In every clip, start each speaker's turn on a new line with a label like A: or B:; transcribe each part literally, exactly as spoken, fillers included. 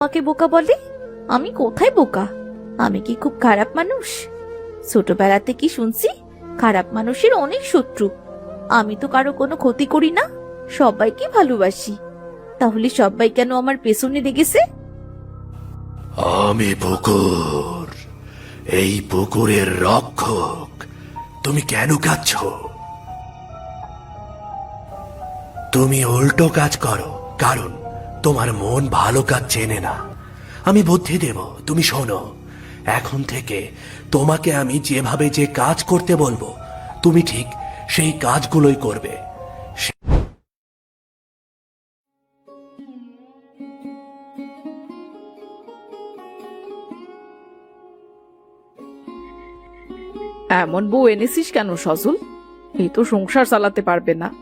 A: আমাকে বোকা বলে? আমি কোথায় বোকা? আমি কি খুব খারাপ মানুষ? ছোটবেলাতে কি শুনছি খারাপ মানুষের অনেক শত্রু। আমি তো কারো কোনো ক্ষতি করি না, সবাইকে ভালোবাসি। তাহলে সবাই কেন আমার পেছনে লেগেছে?
B: আমি পুকুর, এই পুকুরের রক্ষক। তুমি কেন কাঁদছ? তুমি উল্টো কাজ করো, কারণ তোমার মন ভালো কাজ চেনে না। আমি বুদ্ধি দেব, তুমি শোনো। এখন থেকে তোমাকে আমি যেভাবে যে কাজ করতে বলবো, তুমি ঠিক সেই কাজগুলোই করবে।
C: এমন বউ এনেছিস কেন সজল? এই তো সংসার চালাতে পারবে না।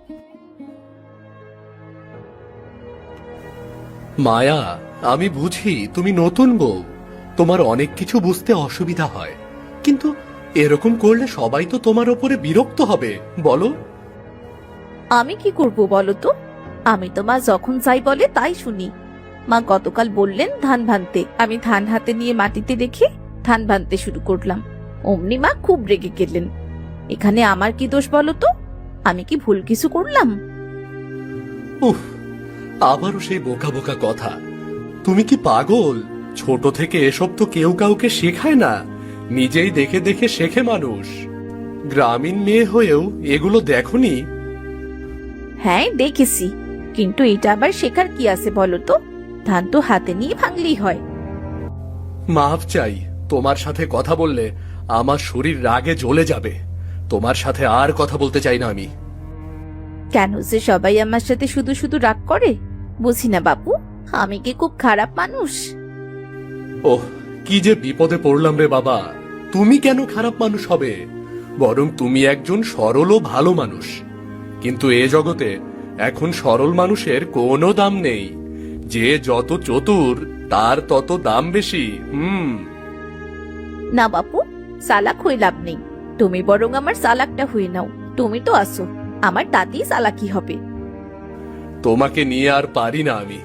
B: মায়া, আমি বুঝি তুমি নতুন বউ, তোমার অনেক কিছু বুঝতে অসুবিধা হয়, কিন্তু এরকম করলে সবাই তো তোমার ওপরে বিরক্ত হবে, বলো।
A: আমি কি করব বলো তো? আমি তো মা যখন চাই বলে তাই শুনি। মা গতকাল বললেন ধান ভানতে, আমি ধান হাতে নিয়ে মাটিতে রেখে ধান ভানতে শুরু করলাম। অমনি মা খুব রেগে গেলেন। এখানে আমার কি দোষ বলো তো? আমি কি ভুল কিছু করলাম?
B: উফ, আবারও সেই বোকা বোকা কথা। তুমি কি পাগল? ছোট থেকে এসব তো কেউ কাউকে শেখায় না, নিজেই দেখে দেখে শেখে মানুষ। গ্রামীণ মেয়ে হয়েও এগুলো দেখোনি?
A: হ্যাঁ দেখেছি, কিন্তু এটা আবার শেখার কি আছে বলো তো? ধান তো হাতে নিয়ে ভাঙলেই হয়।
B: মাফ চাই, তোমার সাথে কথা বললে আমার শরীর রাগে জ্বলে যাবে। তোমার সাথে আর কথা বলতে চাই না আমি।
A: কেন যে সবাই আমার সাথে শুধু শুধু রাগ করে বুঝি না বাপু। আমি কি খুব খারাপ মানুষ?
B: ওহ, কি যে বিপদে পড়লাম রে বাবা। তুমি কেন খারাপ মানুষ হবে? বরং তুমি একজন সরল ও ভালো মানুষ। কিন্তু এ জগতে এখন সরল মানুষের কোনো দাম নেই। যে যত চতুর তার তত দাম বেশি। হুম।
A: না বাপু, চালাক হয়ে লাভ নেই। তুমি বরং আমার চালাকটা হয়ে নাও। তুমি তো আসো, আমার তাতেই চালাকি হবে।
B: তোমাকে নিয়ে আর পারি না আমি।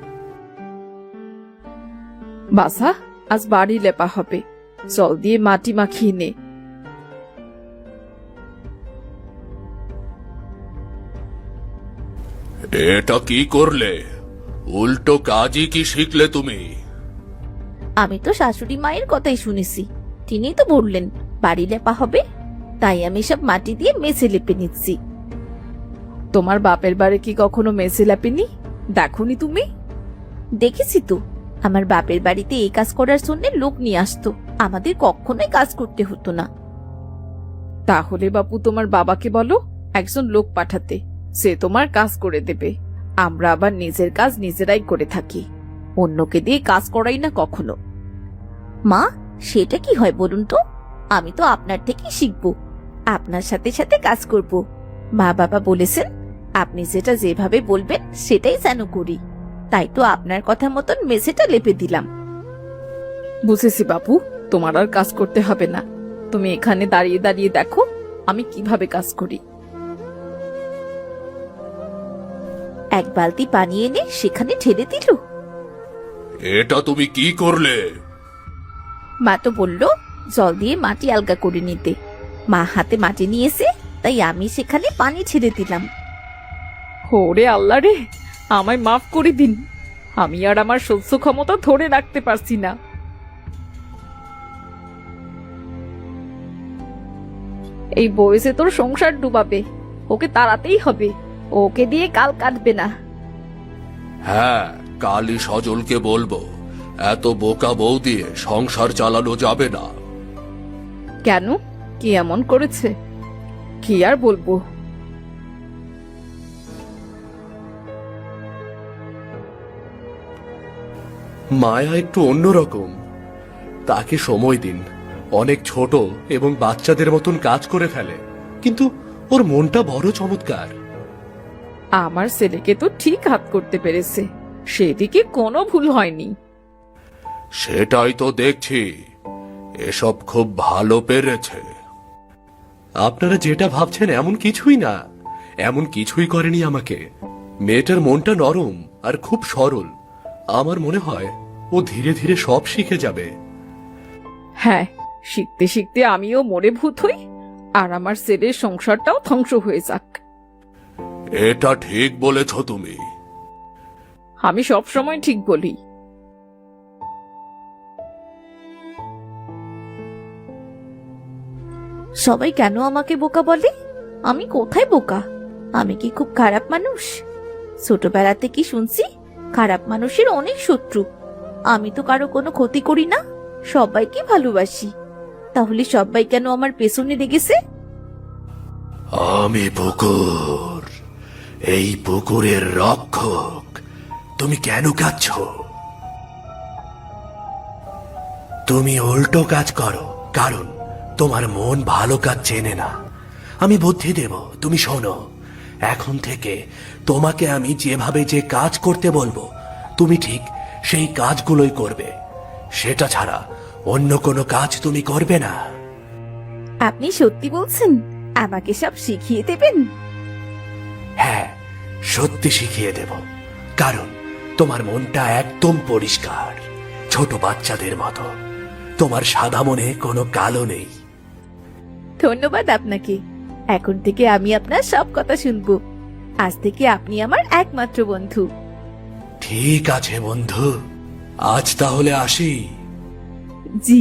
C: বাসা, আজ বাড়ি লেপা হবে, জল দিয়ে মাটি মাখিয়ে নে।
B: এটা কি করলে? উল্টো কাজই কি শিখলে তুমি?
A: আমি তো শাশুড়ি মায়ের কথাই শুনেছি, তিনি তো বললেন বাড়ি লেপা হবে, তাই আমি সব মাটি দিয়ে মেঝে লেপে নিচ্ছি।
C: তোমার বাপের বাড়ি কি কখনো মেসে লেপেনি? দেখনি তুমি?
A: দেখেছি তো, আমার বাপের বাড়িতে এই কাজ করার জন্য লোক নিয়ে আসতো, আমাদের কখনোই কাজ করতে হতো না।
C: তাহলে বাপু তোমার বাবাকে বলো একজন লোক পাঠাতে, সে তোমার কাজ করে দেবে। আমরা আবার নিজের কাজ নিজেরাই করে থাকি, অন্যকে দিয়ে কাজ করাই না কখনো।
A: মা, সেটা কি হয় বলুন তো? আমি তো আপনার থেকেই শিখবো, আপনার সাথে সাথে কাজ করব। মা বাবা বলেছেন আপনি যেটা যেভাবে বলবেন সেটাই যেন করি, তাই তো আপনার কথা মতন মেঝেটা লেপে দিলাম।
C: বুঝেছি বাপু, তোমার আর কাজ করতে হবে না। তুমি এখানে দাঁড়িয়ে দাঁড়িয়ে দেখো আমি কিভাবে কাজ করি।
A: এক বালতি পানি এনে সেখানে ঢেলে দিল।
B: এটা তুমি কি করলে?
A: মা তো বলল জল দিয়ে মাটি আলগা করে নিতে। মা হাতে মাটি নিয়েছে, তাই আমি সেখানে পানি ছেড়ে দিলাম।
C: ওরে আল্লাহ রে, আমায় মাফ করে দিন। আমি আর আমার সহ্য ক্ষমতা ধরে রাখতে পারছি না। এই বয়সে তোর সংসার ডুবাবে, ওকে তাড়াতেই হবে। ওকে দিয়ে কাল কাটবে না।
B: হ্যাঁ, কালই সজলকে বলবো এত বোকা বউ দিয়ে সংসার চালানো যাবে না।
C: কেন, কি এমন করেছে? কি আর বলবো।
B: মায়া একটু অন্যরকম, তাকে সময় দিন। অনেক ছোট এবং বাচ্চাদের মতন কাজ করে ফেলে, কিন্তু ওর মনটা বড় চমৎকার।
C: আমার ছেলেকে তো ঠিক হাত করতে পেরেছে, সেদিকে কোনো ভুল হয়নি।
B: সেটাই তো দেখছি, এসব খুব ভালো পেরেছে। আপনারা যেটা ভাবছেন এমন কিছুই না, এমন কিছুই করেনি আমাকে। মেয়েটার মনটা নরম আর খুব সরল, আমার মনে হয় ও ধীরে ধীরে সব শিখে যাবে।
C: হ্যাঁ, শিখতে শিখতে আমিও মরে ভূত হই, আর আমার ছেলের সংসারটাও ধ্বংস হয়ে যাক।
B: এটা ঠিক বলেছ তুমি।
C: আমি সব সময় ঠিক বলি।
A: সবাই কেন আমাকে বোকা বলে? আমি কোথায় বোকা? আমি কি খুব খারাপ মানুষ? ছোটবেলাতে কি শুনছি খারাপ মানুষের অনেক শত্রু। আমি তো কারো কোনো ক্ষতি করি না, সবাইকে ভালোবাসি। তাহলে সবাই কেন আমার পেছনে লেগেছে?
B: আমি পুকুর, এই পুকুরের রক্ষক। তুমি কেন কাঁদছ? তুমি উল্টো কাজ করো, কারণ তোমার মন ভালো কাজ চেনে না। আমি বুদ্ধি দেব, তুমি শোনো। এখন থেকে তোমাকে আমি যেভাবে যে কাজ করতে বলবো, তুমি ঠিক সেই কাজগুলোই করবে। সেটা ছাড়া অন্য কোনো কাজ তুমি করবে না।
A: আপনি সত্যি বলছেন? আমাকে সব শিখিয়ে দেবেন?
B: হ্যাঁ, সত্যি শিখিয়ে দেব। কারণ তোমার মনটা একদম পরিষ্কার, ছোট বাচ্চাদের মতো। তোমার সাদা মনে কোনো কালো নেই।
A: ধন্যবাদ আপনাকে। এখন থেকে আমি আপনার সব কথা শুনবো। আজ থেকে আপনি আমার একমাত্র বন্ধু।
B: ঠিক আছে বন্ধু, আজ তাহলে আসি।
A: জি।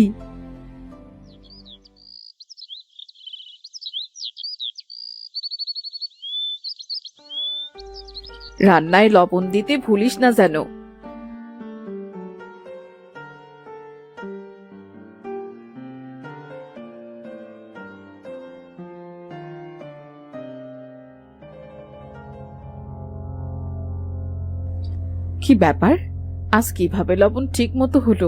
C: রান্নায় লবণ দিতে ভুলিস না যেন। কি ব্যাপার, আজ কিভাবে লবণ ঠিক মতো হলো?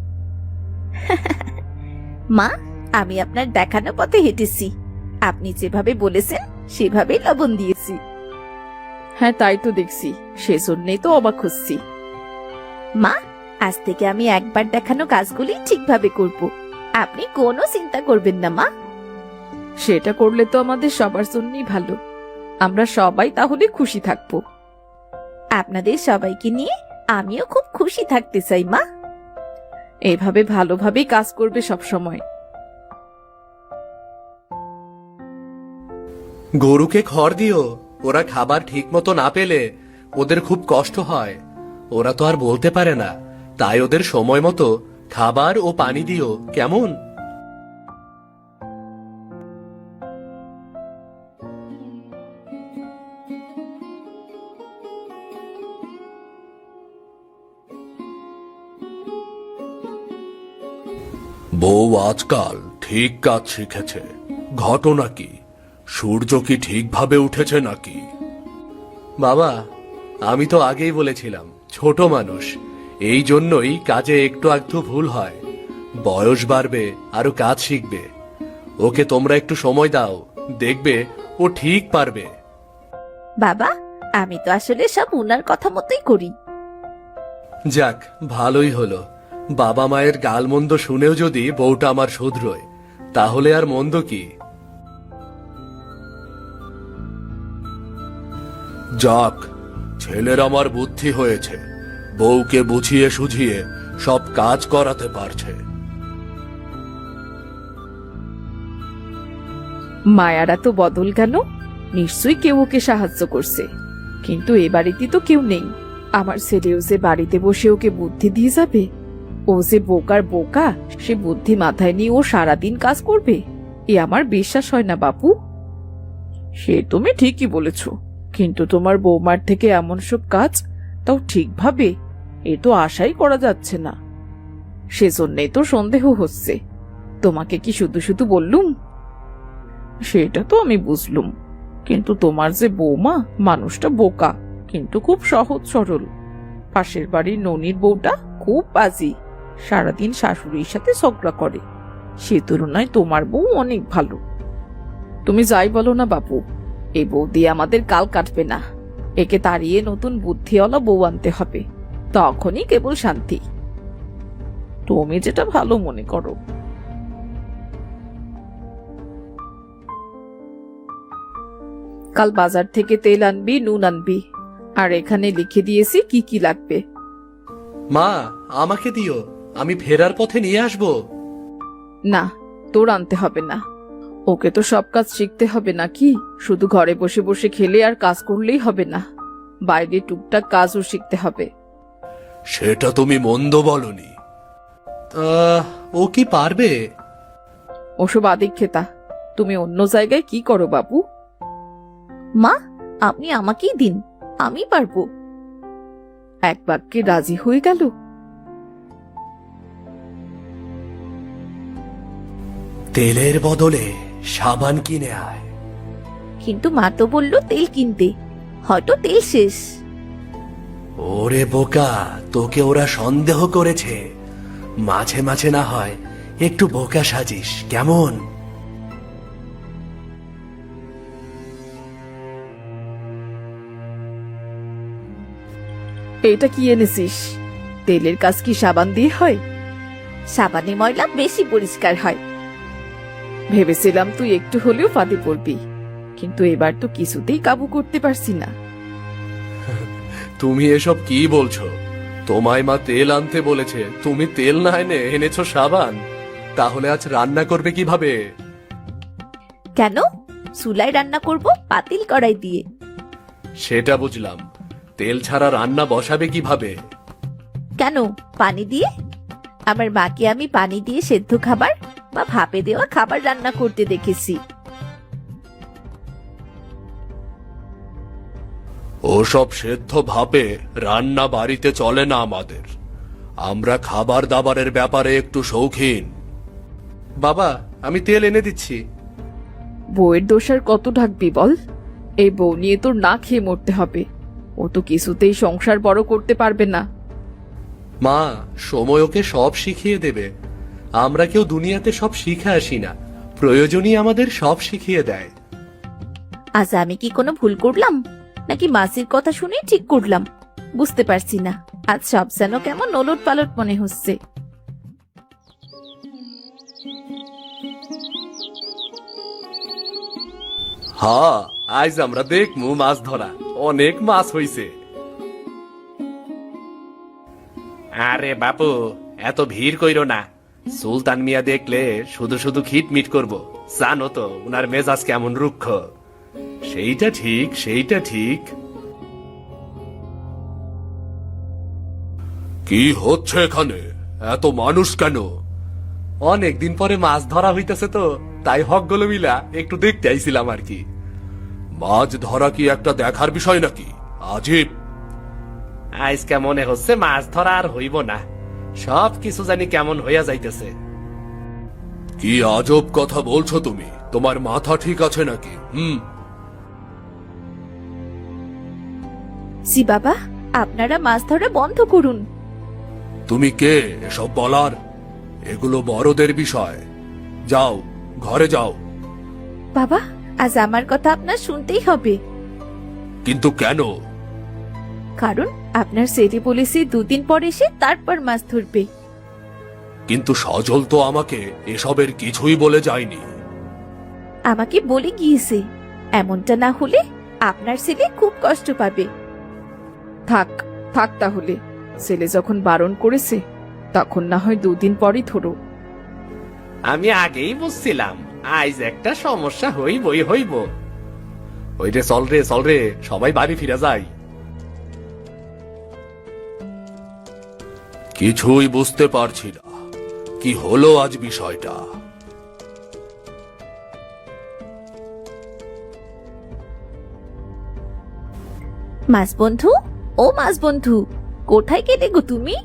A: মা, আমি আপনার দেখানো পথে হেঁটেছি। আপনি যেভাবে বলেছেন সেভাবেই লবণ দিয়েছি।
C: হ্যাঁ, তাই তো দেখছি, সেজন্যই তো অবাক হচ্ছি।
A: মা, আজ থেকে আমি একবার দেখানো কাজগুলি ঠিকভাবে করব। আপনি কোনো চিন্তা করবেন না মা।
C: সেটা করলে তো আমাদের সবার জন্যই ভালো। আমরা সবাই তাহলে খুশি থাকবো।
A: আপনাদের সবাইকে নিয়ে আমিও খুব খুশি থাকতে চাই মা।
C: এভাবে ভালোভাবেই কাজ করবে সব সময়।
B: গরুকে খড় দিও, ওরা খাবার ঠিক মতো না পেলে ওদের খুব কষ্ট হয়। ওরা তো আর বলতে পারে না, তাই ওদের সময় মতো খাবার ও পানি দিও, কেমন? বউ আজকাল ঠিক কাজ শিখেছে। ঘটনা কি? সূর্য কি ঠিকভাবে উঠেছে নাকি? বাবা, আমি তো আগেই বলেছিলাম ছোট মানুষ, এই জন্যই কাজে একটু আধটু ভুল হয়। বয়স বাড়বে, আরো কাজ শিখবে। ওকে তোমরা একটু সময় দাও, দেখবে ও ঠিক পারবে।
A: বাবা, আমি তো আসলে সব উনার কথা মতোই করি।
B: যাক, ভালোই হলো। বাবা মায়ের গালমন্দ শুনেও যদি বউটা আমার শুধরোয়, তাহলে আর মন্দ কি? যাক, ছেলের আমার বুদ্ধি হয়েছে, বউকে বুঝিয়ে সুঝিয়ে সব কাজ করাতে পারছে।
C: মায়ারা তো বদল গেল, নিশ্চয়ই কেউ ওকে সাহায্য করছে। কিন্তু এ বাড়িতে তো কেউ নেই। আমার ছেলেও যে বাড়িতে বসে ওকে বুদ্ধি দিয়ে যাবে? ও যে বোকার বোকা, সে বুদ্ধি মাথায় নিয়ে ও সারাদিন কাজ করবে, এ আমার বিশ্বাস হয় না বাপু। সে তুমি ঠিকই বলেছ, কিন্তু তোমার বৌমার থেকে এমন সব কাজ, তাও ঠিকভাবে, এ তো আশাই করা যাচ্ছে না। সেজন্যই তো সন্দেহ হচ্ছে। তোমাকে কি শুধু শুধু বললুম? সেটা তো আমি বুঝলুম, কিন্তু তোমার যে বৌমা, মানুষটা বোকা, কিন্তু খুব সহজ সরল। পাশের বাড়ির ননির বউটা খুব বাজি, সারাদিন শাশুড়ির সাথে ঝগড়া করে। সে তুলনায় তোমার বউ অনেক ভালো। তুমি যাই বলো না বাপু, এই বউ দিয়ে আমাদের কাল কাটবে না। একে তাড়িয়ে নতুন বুদ্ধিওয়ালা বউ আনতে হবে, তখনই কেবল শান্তি। তুমি যেটা ভালো মনে করো। কাল বাজার থেকে তেল আনবি, নুন আনবি, আর এখানে লিখে দিয়েছি কি কি লাগবে।
B: মা, আমাকে দিও, আমি ফেরার পথে নিয়ে আসবো।
C: না, তোর আনতে হবে না। ওকে তো সব কাজ শিখতে হবে নাকি? শুধু ঘরে বসে বসে খেলে আর কাজ করলেই হবে না, বাইরে টুকটাক কাজও শিখতে হবে।
B: সেটা তুমি মন্দ বলনি। আহ, ও কি পারবে?
C: ওসব আদিক্ষেতা। তুমি অন্য জায়গায় কি করো বাবু?
A: মা, আপনি আমাকেই দিন, আমি পারবো।
C: এক বাক্যে রাজি হয়ে গেল।
B: তেলের বদলে সাবান কিনে আয়।
A: কিন্তু মা তো বললো তেল কিনতে, হয়তো তেল শেষ।
B: ওরে বোকা, তোকে ওরা সন্দেহ করেছে। মাঝে মাঝে না হয় একটু বোকা সাজিস, কেমন?
C: এটা কি এনেছিস? তেলের কাজ কি সাবান দিয়ে হয়?
A: সাবানে ময়লা বেশি পরিষ্কার হয়।
C: ভেবেছিলাম তুই একটু হলেও ফাঁদে পড়বি, কিন্তু এবার তো কিছুতেই কাবু করতে পারছি না।
B: তুমি এসব কি বলছো? তোমায় মা তেল আনতে বলেছে, তুমি তেল না এনে এনেছো সাবান। তাহলে আজ রান্না করবে কিভাবে?
A: কেন? চুলায় রান্না করব পাতিল কড়াই দিয়ে।
B: সেটা বুঝলাম, তেল ছাড়া রান্না বসাবে কিভাবে?
A: কেন, পানি দিয়ে? আমার মাকে আমি পানি দিয়ে সেদ্ধ খাবার বা ভাপে দেওয়া খাবার রান্না করতে দেখেছি।
B: ওসব সেদ্ধ ভাবে রান্না বাড়িতে চলে না আমাদের। আমরা খাবার দাবারের ব্যাপারে একটু শৌখিন। বাবা, আমি তেল এনে দিচ্ছি।
C: বউয়ের দোষ আর কত ঢাকবি বল? এই বউ নিয়ে তোর না খেয়ে মরতে হবে। ও তো কিছুতেই সংসার বড় করতে পারবে না।
B: মা, সময় ওকে সব শিখিয়ে দেবে। আমরা কেউ দুনিয়াতে সব শিখে আসি না, প্রয়োজনই আমাদের সব শিখিয়ে দেয়।
A: আজ আমি কি কোনো ভুল করলাম, নাকি মাসির কথা শুনে ঠিক করলাম? বুঝতে পারছি না। আজ সব যেন কেমন ওলট পালট মনে হচ্ছে।
B: হ্যাঁ, আজ আমরা দেখমু মাছ ধরা। অনেক মাছ হইছে। আরে বাপু, এত ভিড় কইরো না। সুলতান মিয়া দেখলে শুধু শুধু খিটমিট করব। জানো তো উনার মেজাজ কেমন রুক্ষ। সেইটা ঠিক, সেইটা ঠিক। কি হচ্ছে এখানে? এত মানুষ কেন? অনেকদিন পরে মাছ ধরা হইতেছে তো, তাই হকগুলো মিলা একটু দেখতে আইছিলাম আর কি। মাছ ধরা কি একটা দেখার বিষয় নাকি? আজীব। আজকে মনে হচ্ছে মাছ ধরা আর হইব না, সব কিছু জানি কেমন হইয়া যাইতেছে। কি আজব কথা বলছো তুমি? তোমার মাথা ঠিক আছে নাকি? হুম।
A: জি বাবা, আপনারা মাছ ধরা বন্ধ করুন।
B: তুমি কে এসব বলার? এগুলো বড়দের বিষয়। যাও, ঘরে যাও।
A: বাবা, আজ আমার কথা আপনার শুনতেই হবে।
B: কিন্তু কেন?
A: কারণ আপনার ছেলে বলেছে দুদিন পর এসে তারপর মাছ ধরবে।
B: কিন্তু সজল তো আমাকে এসবের কিছুই বলে যায়নি।
A: আমাকে বলে গিয়েছে। এমনটা না হলে আপনার ছেলে খুব কষ্ট পাবে।
C: থাক থাক তাহলে, ছেলে যখন বারণ করেছে তখন না হয় দুদিন পরই ধরো।
B: আমি আগেই বুঝছিলাম আজ একটা সমস্যা হইবই হইব। ওই রে, চল রে চল রে, সবাই বাড়ি ফিরে যাই। কিছুই বুঝতে পারছি না, কি হলো আজ বিষয়টা।
A: মাছ বন্ধু, ও মাছ বন্ধু, কোথায় গেলে গো তুমি?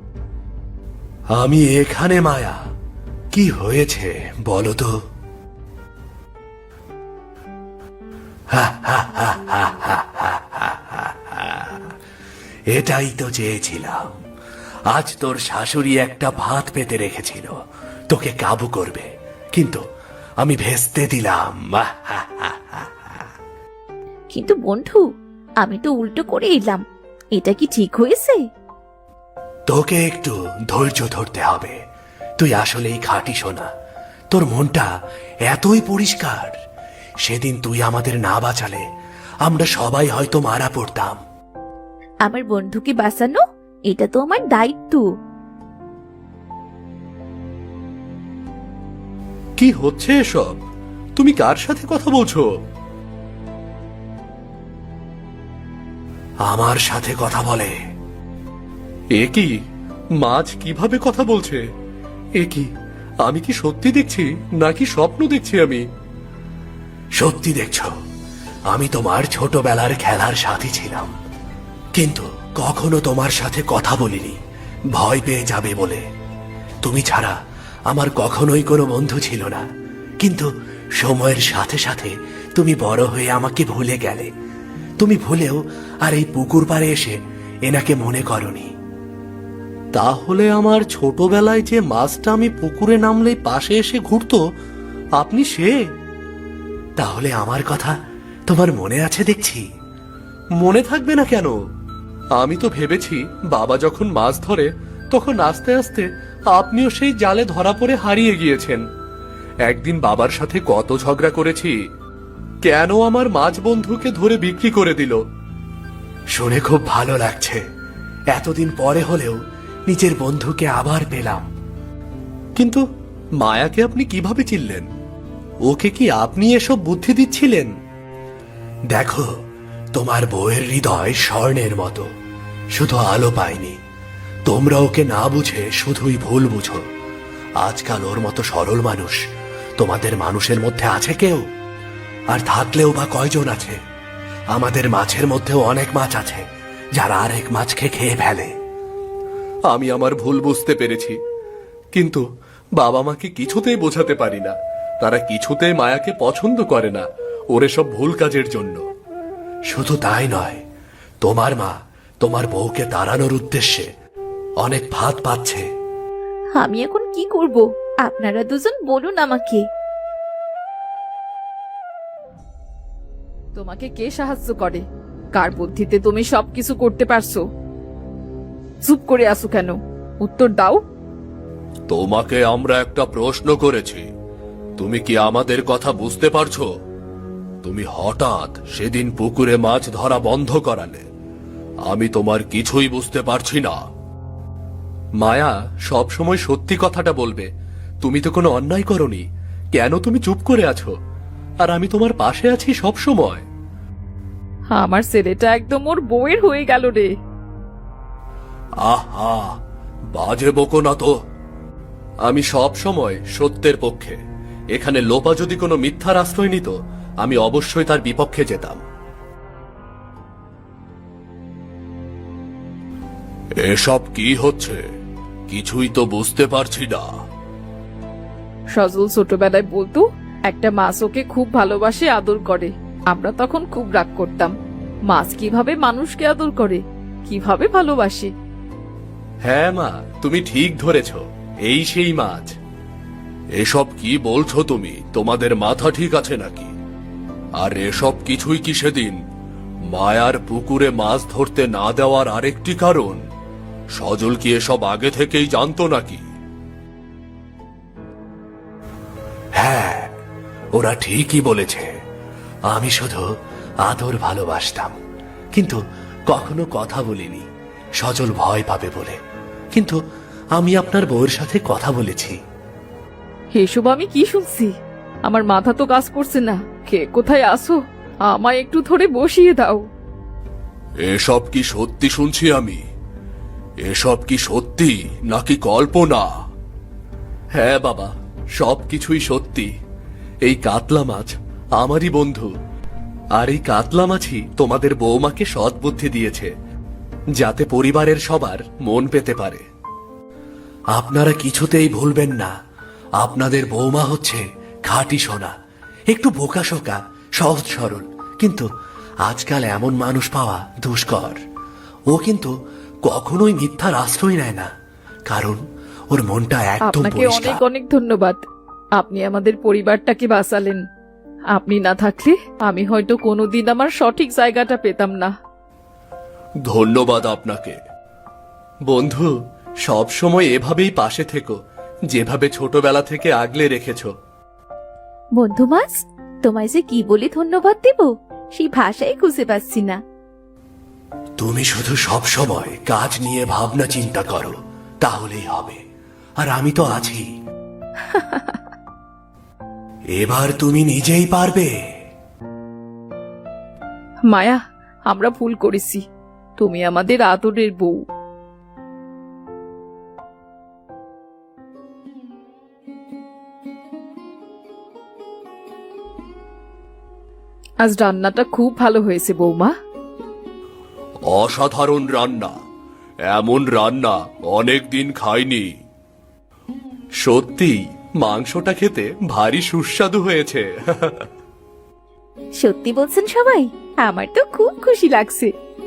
B: আমি এখানে মায়া। কি হয়েছে বলো তো? এটাই তো চেয়েছিলাম। আজ তোর শাশুড়ি একটা ভাত পেতে রেখেছিল, তোকে কাবু করবে, কিন্তু আমি ভেস্তে দিলাম।
A: কিন্তু বন্ধু, আমি তো উল্টো করে এলাম, এটা কি ঠিক হয়েছে?
B: তোকে একটু ধৈর্য ধরতে হবে। তুই আসলেই খাঁটি সোনা। তোর মনটা এতই পরিষ্কার। সেদিন তুই আমাদের না বাঁচালে আমরা সবাই হয়তো মারা পড়তাম।
A: আমার বন্ধুকে বাঁচানো এটা তো আমার দায়িত্ব।
B: কি হচ্ছে এসব? তুমি কার সাথে কথা বলছো? আমার সাথে কথা বলে। এ কি? মাছ কিভাবে কথা বলছে? এ কি? আমি কি সত্যি দেখছি নাকি স্বপ্ন দেখছি? আমি সত্যি দেখছো। আমি তোমার ছোটবেলার খেলার সাথী ছিলাম, কিন্তু কখনো তোমার সাথে কথা বলিনি, ভয় পেয়ে যাবে বলে। তুমি ছাড়া আমার কখনোই কোনো বন্ধু ছিল না, কিন্তু সময়ের সাথে সাথে তুমি বড় হয়ে আমাকে ভুলে গেলে। তুমি ভুলেও আর এই পুকুর পাড়ে এসে এনাকে মনে করনি। তাহলে আমার ছোটবেলায় যে মাছটা আমি পুকুরে নামলেই পাশে এসে ঘুরতো, আপনি সে? তাহলে আমার কথা তোমার মনে আছে দেখছি। মনে থাকবে না কেন? আমি তো ভেবেছি বাবা যখন মাছ ধরে তখন আস্তে আস্তে আপনিও সেই জালে ধরা পড়ে হারিয়ে গিয়েছেন। একদিন বাবার সাথে কত ঝগড়া করেছি, কেন আমার মাছ বন্ধুকে ধরে বিক্রি করে দিল। শুনে খুব ভালো লাগছে, এতদিন পরে হলেও নিজের বন্ধুকে আবার পেলাম। কিন্তু মায়াকে আপনি কিভাবে চিনলেন? ওকে কি আপনি এসব বুদ্ধি দিচ্ছিলেন? দেখো, তোমার বউয়ের হৃদয় স্বর্ণের মতো, শুধু আলো পায়নি। তোমরা ওকে না বুঝে শুধুই ভুল বুঝো। আজকাল ওর মতো সরল মানুষ তোমাদের মানুষের মধ্যে আছে কেউ? আর থাকলেও বা কয়জন আছে? আমাদের মাছের মধ্যেও অনেক মাছ আছে যারা আরেক মাছকে খেয়ে ফেলে। আমি আমার ভুল বুঝতে পেরেছি, কিন্তু বাবা মাকে কিছুতেই বোঝাতে পারি না। তারা কিছুতেই মায়াকে পছন্দ করে না ওর সব ভুল কাজের জন্য। শুধু তাই নয়, তোমার মা তোমার বউকে তাড়ানোর উদ্দেশ্যে অনেক ফাঁদ পাচ্ছে।
A: আমি এখন কি করব? আপনারা দুজন বলুন আমাকে।
C: তোমাকে কে সাহায্য করে? কার বুদ্ধিতে তুমি সবকিছু করতে পারছো? চুপ করে আসো কেন? উত্তর দাও।
B: তোমাকে আমরা একটা প্রশ্ন করেছি, তুমি কি আমাদের কথা বুঝতে পারছো? তুমি হঠাৎ সেদিন পুকুরে মাছ ধরা বন্ধ করালে, আমি তোমার কিছুই বুঝতে পারছি না। মায়া সব সময় সত্যি কথাটা বলবে। তুমি তো কোনো অন্যায় করনি, কেন তুমি চুপ করে আছো? আর আমি তোমার পাশে আছি সব সময়।
C: আমার ছেলেটা একদম ওর বউয়ের হয়ে গেল রে।
B: আহা, বাজে বকো না তো। আমি সব সময় সত্যের পক্ষে। এখানে লোপা যদি কোনো মিথ্যার আশ্রয় নিত, আমি অবশ্যই তার বিপক্ষে যেতাম। এসব কি হচ্ছে? কিছুই তো বুঝতে পারছি না।
C: সজল ছোটবেলায় বলতো একটা মাছ ওকে খুব ভালোবাসে, আদর করে। আমরা তখন খুব রাগ করতাম। মাছ কিভাবে মানুষকে আদর করে, কিভাবে ভালোবাসে।
B: হ্যাঁ মা, তুমি ঠিক ধরেছ, এই সেই মাছ। এসব কি বলছো তুমি? তোমাদের মাথা ঠিক আছে নাকি? আর এসব কিছুই কি সেদিন মায়ার পুকুরে মাছ ধরতে না দেওয়ার আরেকটি কারণ? সজল কি এসব আগে থেকেই জানতো নাকি? হ্যাঁ, ওরা ঠিকই বলেছে। আমি শুধু আদর ভালোবাসতাম, কিন্তু কখনো কথা বলিনি, সজল ভয় পাবে বলে। কিন্তু আমি আপনার বউয়ের সাথে কথা বলেছি।
C: এসব আমি কি শুনছি? আমার মাথা তো কাজ করছে না। কে কোথায় আসো? আমায় একটু ধরে বসিয়ে দাও।
B: এসব কি সত্যি শুনছি আমি? এসব কি সত্যি নাকি কল্পনা? হ্যাঁ বাবা, সব কিছুই সত্যি। এই কাতলা মাছ আমারই বন্ধু, আর এই কাতলা মাছই তোমাদের বৌমাকে সৎ বুদ্ধি দিয়েছে, যাতে পরিবারের সবার মন পেতে পারে। আপনারা কিছুতেই ভুলবেন না, আপনাদের বৌমা হচ্ছে খাঁটি সোনা, একটু বোকাশোকা, সহজ সরল, কিন্তু আজকাল এমন মানুষ পাওয়া দুষ্কর। ও কিন্তু কখনোই মিথ্যার আশ্রয় নেয় না, কারণ ওর মনটা একদম
C: আপনাকে
B: পরিষ্কার।
C: অনেক অনেক ধন্যবাদ। আপনি আমাদের পরিবারটাকে বাঁচালেন। আপনি না থাকলে আমি হয়তো কোনোদিন আমার সঠিক জায়গাটা পেতাম না।
B: ধন্যবাদ আপনাকে। বন্ধু, সব সময় এভাবেই পাশে থেকো, যেভাবে ছোটবেলা থেকে আগলে রেখেছো।
A: বন্ধু মাছ, তোমায় যে কি বলে ধন্যবাদ দেব সেই ভাষাই খুঁজে পাচ্ছি না।
B: তুমি শুধু সব সময় কাজ নিয়ে ভাবনা চিন্তা করো, তাহলেই হবে। আর আমি তো আছি। এবার তুমি নিজেই পারবে।
C: মায়া, আমরা ভুল করেছি। তুমি আমাদের আদরের বউ। আজ রান্নাটা খুব ভালো হয়েছে বৌমা।
B: অসাধারণ রান্না, এমন রান্না অনেক দিন খাইনি। সত্যি মাংসটা খেতে ভারী সুস্বাদু হয়েছে।
A: সত্যি বলছেন সবাই? আমার তো খুব খুশি লাগছে।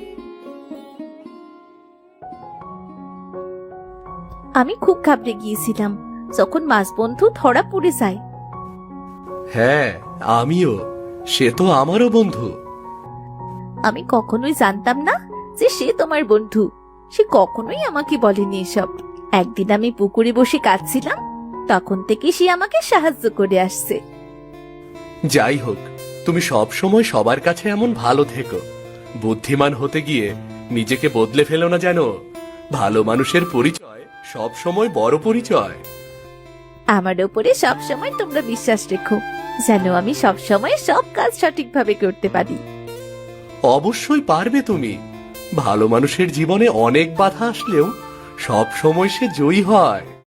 A: আমি খুব ঘাবড়ে গিয়েছিলাম যখন মাছ বন্ধু ধরা পড়ে যায়।
B: হ্যাঁ, আমিও। সে তো আমারও বন্ধু।
A: আমি কখনোই জানতাম না যে সে তোমার বন্ধু। সে কখনোই আমাকে বলেনি এসব। একদিন আমি পুকুরে বসে কাঁদছিলাম, তখন থেকে সে আমাকে সাহায্য করে আসছে।
B: যাই হোক, তুমি সব সময় সবার কাছে এমন ভালো থেকো। বুদ্ধিমান হতে গিয়ে নিজেকে বদলে ফেলো না যেন। ভালো মানুষের পরিচয় সব সময় বড় পরিচয়।
A: আমার ওপরে সব সময় তোমরা বিশ্বাস রেখো, যেন আমি সব সময় সব কাজ সঠিকভাবে করতে পারি।
B: অবশ্যই পারবে তুমি। ভালো মানুষের জীবনে অনেক বাধা আসলেও সব সময় সে জয়ী হয়।